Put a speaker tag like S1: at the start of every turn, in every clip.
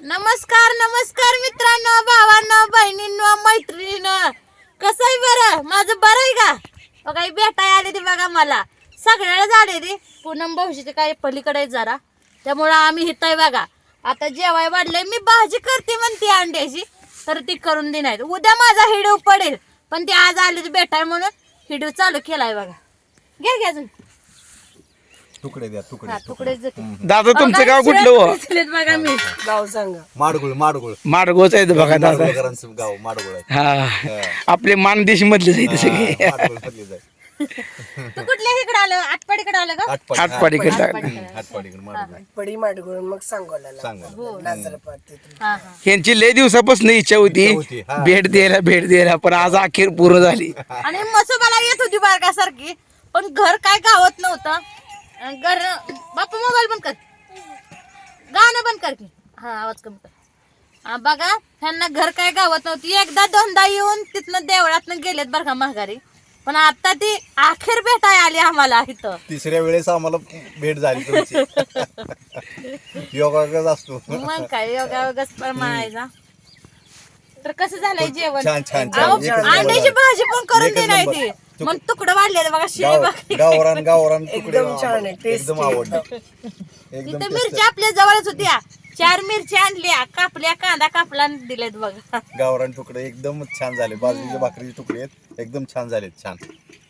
S1: नमस्कार नमस्कार मित्रांनो, भावांनो, बहिणींनो, मैत्रिणींनो, कसं आहे बरं? माझं बरं आहे का? बघा भेटाय आले ते बघा मला सगळ्याला आले रे. पूनम भाऊजीचे काय पलीकडे जरा, त्यामुळं आम्ही हित आहे बघा. आता जेवाय वाढलंय, मी भाजी करते म्हणते अंड्याची, तर ती करून देणार. उद्या माझा हिडीव पडेल, पण ते आज आले भेटाय म्हणून हिडीव चालू केलाय बघा. घ्या घ्या अजून
S2: तुकडे द्या तुकडे
S1: तुकडेच
S3: दादा तुमचं गाव कुठलं हो?
S1: बघा मी
S4: गाव सांगा.
S2: माडगुळ माडगुळ
S3: माडगोच आहे बघा दादा.
S2: माडगुळकरांचं गाव माडगुळ आहे.
S3: हा आपले मानदेश मधलेच आहे सगळे.
S2: माडगुळ मधलीच आहे.
S1: तू कुठल्या इकडे आलं? आटपाडीकडे आलं का?
S3: आटपाडीकडे
S2: हातपाडीकडे माडगुळ
S4: पडी माडगुळ मग सांगोला
S2: सांगा
S4: नाजरपाट तिथून.
S1: हा हा.
S3: यांची लय दिवसापासून इच्छा होती
S2: हा.
S3: भेट द्यायला पण आज अखेर पूर्ण झाली.
S1: आणि मसोबाला येत होती बारका सारखी, पण घर काय गावत नव्हतं. घर बापू मोबाईल बंद कर, गाणं बंद कर की. हा आवाज कमी कर. बघा त्यांना घर काय गावत नव्हती. एकदा दोनदा येऊन तिथनं देवळातनं गेलेत बरं का माघारी, पण आता ती अखेर भेटाय आली आम्हाला इथं.
S2: तिसऱ्या वेळेस आम्हाला भेट झाली तुमची. योगायोगच असतो.
S1: मग काय योगायोगच म्हणायचा. तर कसं झालंय जेवण?
S2: छान छान
S1: अहो,
S2: छान एकच
S1: अंड्याची
S2: नंबर.
S1: भाजी पण करून
S2: एकच
S1: दे नाही
S2: नंबर.
S1: ती, मग तुकडं वाढले बघा शिळे बघा.
S2: गावरान गावरान तुकडे
S4: एकदम छान आहे, tasty
S2: एकदम आवडलं. एकदम
S1: तिथे
S2: tasty.
S1: मिरच्या आपल्या जवळच होत्या. 4 मिरच्या आणल्या, कापल्या, कांदा कापला आणि दिलेत बघा.
S2: गावरान तुकडे एकदम छान झाले. बाजरीचे भाकरीचे तुकडे आहेत एकदम छान झालेत. छान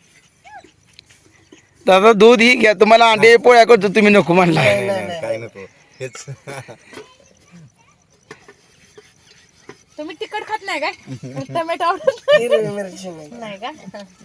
S3: दादा दूध ही घ्या, तुम्हाला अंडे पोळ्या करतो तुम्ही नको म्हणला.
S2: नाही, काय नको हेच.
S1: तुम्ही तिखट खात नाही काय? टोमॅटो आवडत
S4: हिरवी मिरची नाही
S1: नाही का?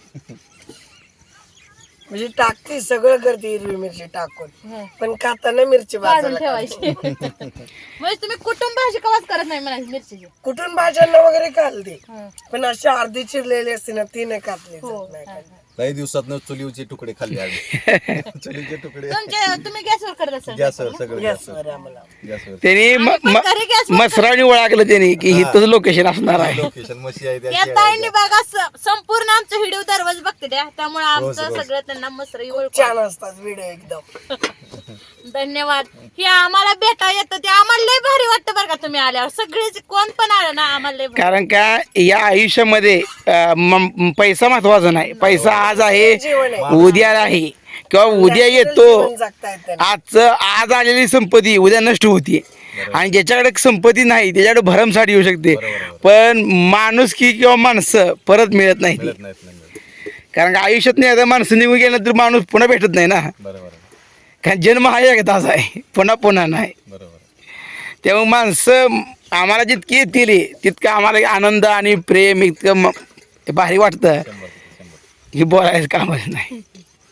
S4: म्हणजे टाकते सगळं करते हिरवी मिरची टाकून,
S1: हं.
S4: पण खाताना मिरची
S1: काढून
S4: बाजूला
S1: ठेवायची. म्हणजे तुम्ही कुटुंब भाजी कवाच करत नाही म्हणायची मिरचीची.
S4: कुठून भाज्यांना वगैरे खालते,
S1: हं.
S4: पण अशी अर्धी चिरलेली असते ना ती नाही खातली
S1: हो.
S4: जात नाही खाल्ली.
S2: काही दिवसात चुलीवचे तुकडे खाल्ले आम्ही. चुलीचे तुकडे
S1: तुम्ही गॅसवर करत असाल?
S2: गॅसवर सगळं
S4: गॅसवर
S2: गॅसवर
S4: आहे आम्हाला.
S2: गॅसवर
S3: त्यांनी
S1: आम्ही पण घरी गॅसवर
S3: मसराणी ओळखलं त्यांनी की हिथंच लोकेशन असणार आहे.
S2: लोकेशन मशी आहे त्या
S1: या ताईंनी बघा संपूर्ण आमचं व्हिडिओ दररोज बघते त्या, त्यामुळे
S2: रोज,
S1: आमचं
S2: रोज.
S1: सगळं त्यांना मसरी ओळख.
S4: छान असतात व्हिडिओ एकदम.
S1: धन्यवाद. हे आम्हाला भेटा येतं ते आम्हाला लय भारी वाटतं बरं का. तुम्ही आल्यावर सगळेच कोण पण आलं ना आम्हाला लय भारी.
S3: कारण का या आयुष्यामध्ये पैसा महत्वाचा नाही. पैसा आज आहे,
S4: जीवन आहे.
S3: उद्या नाही, किंवा उद्या येतो.
S4: जीवन जगता येतं ना.
S3: आज आलेली संपत्ती उद्या नष्ट होती, आणि ज्याच्याकडे संपत्ती नाही त्याच्याकडे भरमसाठ येऊ शकते, पण माणुसकी किंवा माणसं परत मिळत नाही ती.
S2: मिळत नाहीत नाही मिळत.
S3: कारण का आयुष्यात नाही आता माणसं निघून गेल्यानंतर माणूस पुन्हा भेटत नाही ना.
S2: बरोबर आहे,
S3: कारण जन्म हा एकदाच आहे, पुन्हा नाही.
S2: बरोबर आहे.
S3: तेव्हा माणसं आम्हाला जितकी येतील तितकं आम्हाला आनंद आणि प्रेम इतकं भारी वाटतं
S2: 100%.
S3: की बोलायचं कामच नाही.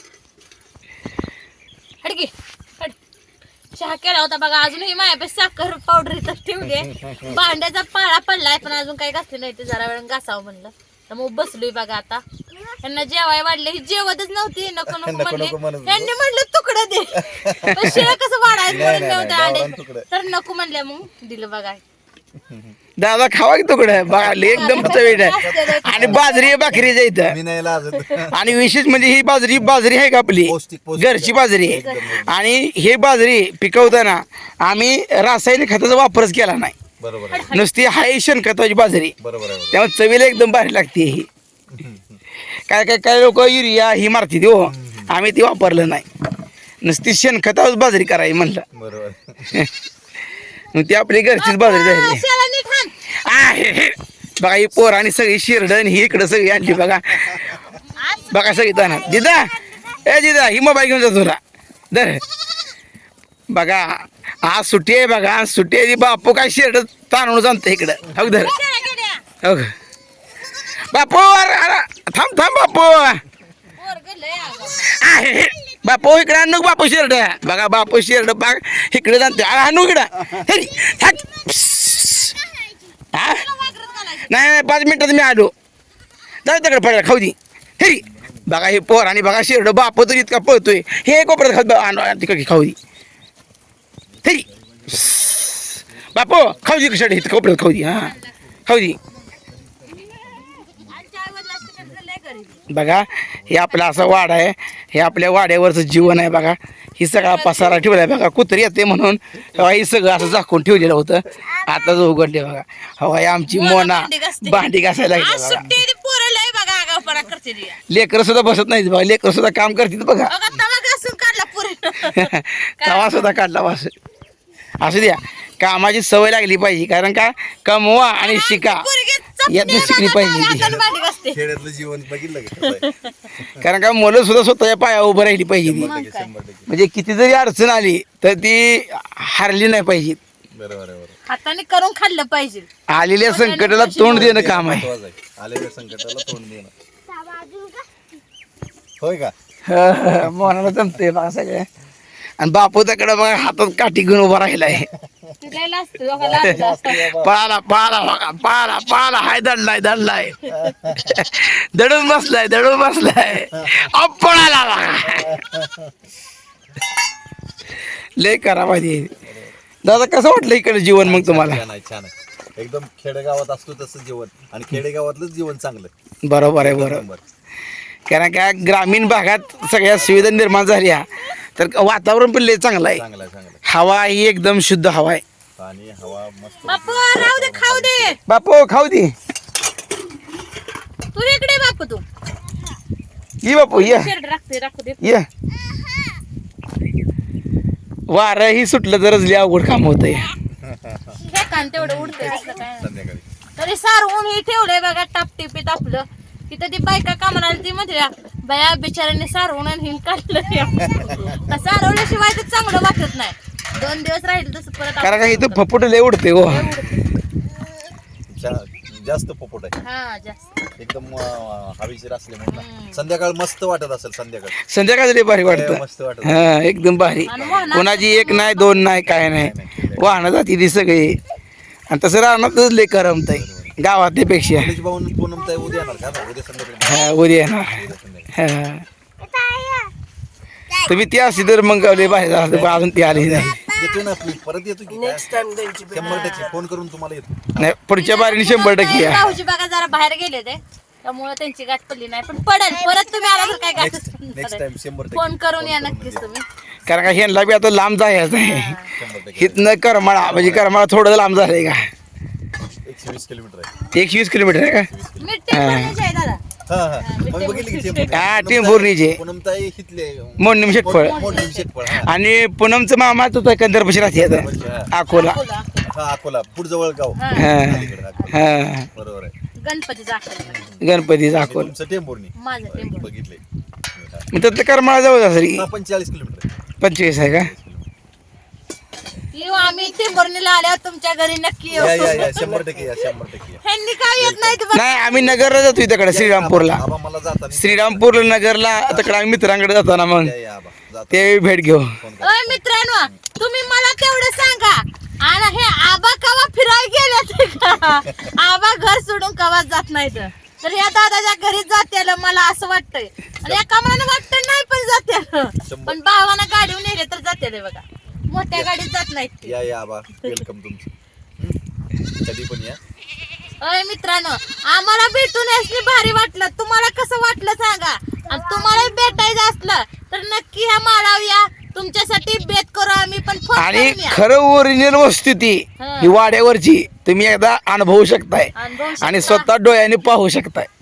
S1: हडकी हड. चहा केला होता बघा, अजूनही माझ्यापाशी साखर पावडर इथं ठेवली आहे. भांड्याचा पाळा पडलाय, पण अजून काही घासले नाही. ते जरा वेळ घासावं म्हणलं, त्यामुळे बसलोय बघा. आता त्यांना जेवाय वाढले, ही जेवतच नव्हती. नको नको
S2: नको
S1: म्हणले,
S2: म्हणत होतो.
S1: त्यांनी म्हणलं तुकडं दे. पण शिळं कसं वाढायचं
S2: नाही,
S1: म्हणून
S2: नाही,
S1: नव्हतं
S2: गावरान
S1: अंडे,
S2: तुकडं.
S1: तर नको म्हणल्या, मग दिलं बघा.
S3: दादा खावा की तुकडं बघा, लय एकदम चवीट आहे. आणि बाजरी भाकरी जायचं.
S2: मी नाही लाजत.
S3: आणि विशेष म्हणजे ही बाजरी आहे का आपली
S2: पौष्टिक, पौष्टिक.
S3: घरची बाजरी आहे.
S2: एकदम.
S3: आणि हे बाजरी पिकवताना आम्ही रासायनिक खताचा वापरच केला नाही.
S2: बरोबर आहे,
S3: नुसती हाय शेणखताची बाजरी,
S2: बरोबर आहे.
S3: त्यामुळे चवीला एकदम भारी लागते ही. काय लोक युरिया ही मारते हो, आम्ही ती वापरलं नाही. नुसती शेणखतावर बाजरी करायची म्हणलं,
S2: बरोबर.
S3: मग ती आपली घरचीच बाजरी झाली.
S1: शेळा नीट हाण.
S3: आहे बघा, ही पोर आणि सगळी शिरडण ही इकडं सगळी आणली बघा. बघा सगळी ताना दिदा, ए दिदा, ही मोबाईल घेऊन जा तुला दर. बघा आज सुट्टी आहे बघा, सुट्टी आहे. बापू काय शिरड ताणून जाणतं इकडं. हो धर,
S1: शेळा गेल्या.
S3: हो बापू, थांब बापू.
S1: पोरगं लय आगाऊ.
S3: आहे बापू इकडे आणू बापू शिरड. बघा बापू शिरड बाग इकडे जाणते. आणू इकडं. हे थांब. हा नाही 5 मिनिटात मी आलो. जाऊ तिकडे पडायला खाऊ दे. हे बघा हे पोर आणि बघा शिरड. बापू तर इतका पळतोय. हे कोपऱ्यात खाऊ तिकडे खाऊ दे. हे बापू खाऊ दे कशाला इथं कोपऱ्यात खाऊ दे. हां खाऊ दे. बघा हे आपला असा वाडा आहे, हे आपल्या वाड्यावरचं जीवन आहे बघा. ही सगळा पसारा ठेवलाय बघा. कुत्री येते म्हणून तेव्हा ही सगळं असं झाकून ठेवलेलं होतं. आताच उघडले बघा. हवा आमची मोना भांडी घासायला
S1: आज
S3: लागली बघा.
S1: सुट्टी आहे, ती पोरं लय बघा आगाऊपणा करते ती.
S3: लेकरं सुद्धा बसत नाहीत बघा. लेकरं सुद्धा काम करतात बघा.
S1: बघा तवा घासून काढला पोरी.
S3: तवा सुद्धा काढला वास. असू द्या, कामाची सवय लागली पाहिजे. कारण का कमवा आणि शिका यातनं शिकली पाहिजे ती.
S1: भांडी घासते.
S2: खेड्यातलं जीवन बघितलं का कसं आहे?
S3: कारण का मुलं सुद्धा स्वतःच्या पायावर उभं राहिली पाहिजे ती.
S2: 100%.
S3: म्हणजे किती जरी अडचण आली तर ती हारली नाही पाहिजे.
S2: बरोबर आहे, बरोबर.
S1: हाताने करून खाल्लं पाहिजे.
S3: आलेल्या संकटाला तोंड देणं काम आहे.
S2: महत्वाचं आहे. आलेल्या संकटाला तोंड देणं. होय का?
S3: मनाला जमते बघा सगळं. आणि बापू त्याकडे बघा हातात काठी घेऊन उभा राहिलाय.
S1: तिला असतं बघा लागलं असतं.
S3: पाला पाला बघा, पाला पाला हाय दडलाय दडलाय. दडून बसलाय पळाला बघा. लय करा पाहिजे. दादा कसं वाटलं इकडे जीवन मग तुम्हाला?
S2: छान आहे, छान आहे. एकदम खेडेगावात असतो तसं जीवन आणि खेडेगावातलंच जीवन चांगलं.
S3: बरोबर आहे, बरोबर. कारण का ग्रामीण भागात सगळ्या सुविधा निर्माण झाल्या तर वातावरण पण लय चांगलं आहे.
S2: चांगलं आहे, चांगलं आहे.
S3: हवा ही एकदम शुद्ध हवा आहे.
S2: पाणी हवा मस्त.
S1: बापू राहू दे, खाऊ दे.
S3: बापू खाऊ दे.
S1: तू इकडे बापू, तू
S3: ये बापू ये
S1: शेरड राखू दे.
S3: ये. वारं ही सुटलं तरच लय अवघड काम होतंय.
S1: हे कान तेवढं उडतंय असलं काय.
S2: संध्याकाळी
S1: तरी सारवून हे ठेवलंय बघा टापटिपीत आपलं. तिथं ती बायका कामाला आली ती म्हणते बाया बिचाऱ्याने सारवून आणि हिन काढलं. सारवल्याशिवाय तर चांगलं वाटत नाही. 2 दिवस राहील तसं परत
S3: कारण का इथं फपुट लय उडते हो.
S2: जास्त पोपट आहे.
S1: हा जास्त.
S2: एकदम हवेशीर असल्यामुळे ना. संध्याकाळ मस्त वाटत असेल.
S3: संध्याकाळी लय भारी वाटतं.
S2: मस्त वाटत.
S3: हा एकदम भारी. कोणाची 1 नाही 2 नाही काय नाही. वाहनं जाती ती सगळी. आणि तसं राहणारच लय करमत आहे गावातल्या पेक्षा.
S2: पूनम ताई उद्या येणार का? उद्या संध्याकाळी.
S3: हा उद्या येणार. हा तुम्ही ती असली तर मग लय भारी झालं. पण अजून ती आली नाही.
S2: येतो ना आपली परत येतो की काय?
S4: नेक्स्ट टाइम त्यांची
S2: 100% फोन करून तुम्हाला येतो.
S3: नाही पुढच्या बारीने 100% या.
S1: भाऊजी बघा जरा बाहेर गेले ते त्यामुळे त्यांची गाठ पडली नाही. पण पडेल परत तुम्ही आला तर काय गाठ
S2: नेक्स्ट टाइम 100%.
S1: फोन करून या नक्कीच तुम्ही.
S3: कारण का ह्यांना बी आता लांब जायचं आहे.
S2: 100%.
S3: इथनं करमाळा म्हणजे करमाळा थोडं लांब झालंय का?
S2: 120 किलोमीटर आहे.
S3: 120 किलोमीटर आहे का?
S1: मीठ टेम्पोची आहे दादा.
S2: हा हा मग बघितली की टेम्पो.
S3: हा टेंभुर्णीचे
S2: पूनम ताई हितले
S3: मोडणीम शेटफळ.
S2: मोडणीम शेटफळ. हा.
S3: आणि पूनमचं मामा तो कंदरपशी राहते आता अकोला.
S2: हा अकोला पुढजवळ गाव.
S1: हा.
S3: हा
S2: अलीकडे अकोला.
S3: हा
S2: बरोबर आहे.
S1: गणपतीचा आकडे
S3: गणपतीचा
S2: आणि
S3: अकोला.
S2: तुमचं टेंभुर्णी
S1: माझं टेम्पो.
S2: बघितले.
S3: मग त्यातलं करमाळा जवळ असेल.
S2: 45 किलोमीटर आहे.
S3: 25 आहे का?
S1: येऊ आम्ही टेम्पोर्नीला आल्यावर तुमच्या घरी नक्की येऊ.
S2: या 100% या 100% या.
S1: ह्यांनी काय येत नाही तुम्हाला.
S3: नाही आम्ही नगरला जातो तिकडे श्रीरामपूरला.
S2: आबा मला जाताना
S3: श्रीरामपूर नगरला तिकडे आम्ही मित्रांकडे जातो ना मग
S2: या आबा जाता
S3: ते भेट घेऊ.
S2: फोन करा.
S1: ओय मित्रांनो तुम्ही मला तेवढं सांगा आणि हे आबा कवा फिरायला गेले का? आबा घर सोडून कवा जात नाहीत. तर या दादाच्या घरी जात्याला मला असं वाटतंय. आणि एका मनानं वाटतं नाही पण जात्याला. पण भावानं गाडीवर नेले तर जात्याला बघा. मोठ्या गाडीत जात नाहीत ते.
S2: या आबा वेलकम तुमचं. कधी पण या.
S1: अय मित्रांनो आम्हाला भेटून यासनी भारी वाटलं. तुम्हाला कसं वाटलं सांगा. आणि तुम्हाला भेटायचं असलं तर नक्की ह्या माळावर या. तुमच्यासाठी बेत करू आम्ही पण फोन
S3: आणि
S1: करून या.
S3: खरं ओरिजिनल वस्तू ती
S1: हा.
S3: ही वाड्यावरची तुम्ही एकदा अनुभवू शकताय
S1: अनुभवू शकता.
S3: आणि स्वतः डोळ्याने पाहू शकताय.